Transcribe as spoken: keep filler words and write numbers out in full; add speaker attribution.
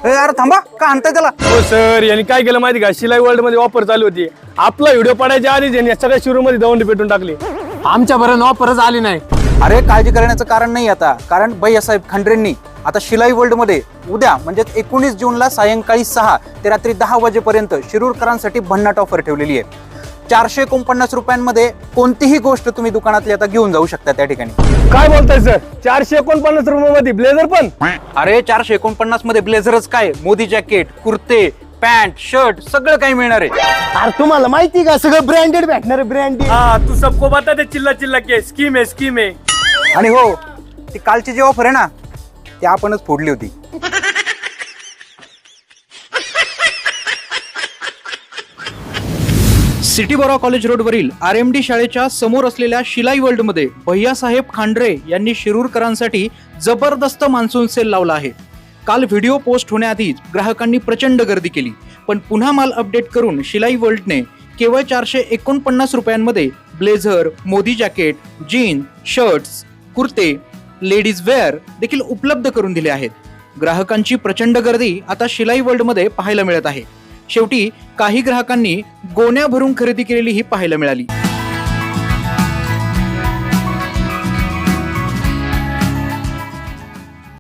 Speaker 1: यार थांबा, का आणताय त्याला?
Speaker 2: हो सर, यांनी काय केलं माहिती का, शिलाई वर्ल्ड मध्ये ऑफर चालू होती. आपला व्हिडिओ पडायच्या आधीच यांनी सगळ्या शोरूम मध्ये दवंडी पेटून टाकली.
Speaker 3: आमच्या बरं ऑफरच आली नाही.
Speaker 1: अरे काळजी करण्याचं कारण नाही आता, कारण भैयासाहेब खंड्रेंनी आता शिलाई वर्ल्ड मध्ये उद्या म्हणजेच एकोणीस जूनला सायंकाळी सहा ते रात्री दहा वाजेपर्यंत शिरूरकरांसाठी भन्नाट ऑफर ठेवलेली आहे. चारशे एकोणपन्नास रुपयांमध्ये कोणतीही गोष्ट तुम्ही दुकानातली आता घेऊन जाऊ शकता त्या ठिकाणी.
Speaker 2: काय बोलताय सर, चारशे एकोणपन्नास रुपये मध्ये ब्लेझर पण?
Speaker 1: अरे चारशे एकोणपन्नास मध्ये ब्लेझरच काय, मोदी जॅकेट, कुर्ते, पॅन्ट, शर्ट सगळं काही मिळणार आहे.
Speaker 3: अरे तुम्हाला माहिती का सगळं ब्रँडेड भेटणार आहे, ब्रँडेड.
Speaker 2: हाँ, तू सबको बता दे, चिल्ला चिल्ला के स्कीम है स्कीम है.
Speaker 1: आणि हो, ती कालची जी ऑफर आहे ना, ती आपणच फोडली होती.
Speaker 4: सिटी बोरा कॉलेज रोडवरील आर एम डी शाळेच्या समोर असलेल्या शिलाई वर्ल्डमध्ये भैयासाहेब खांडरे यांनी शिरूरकरांसाठी जबरदस्त मान्सून सेल लावला आहे. काल व्हिडिओ पोस्ट होण्याआधीच ग्राहकांनी प्रचंड गर्दी केली, पण पुन्हा माल अपडेट करून शिलाई वर्ल्डने केवळ चारशे एकोणपन्नास रुपयांमध्ये blazer, Modi jacket, jeans, shirts, कुर्ते, लेडीज वेअर देखील उपलब्ध करून दिले आहेत. ग्राहकांची प्रचंड गर्दी आता शिलाई वर्ल्डमध्ये पाहायला मिळत आहे. शेवटी काही ग्राहकांनी गोण्या भरून खरेदी केलेली ही पाहायला मिळाली.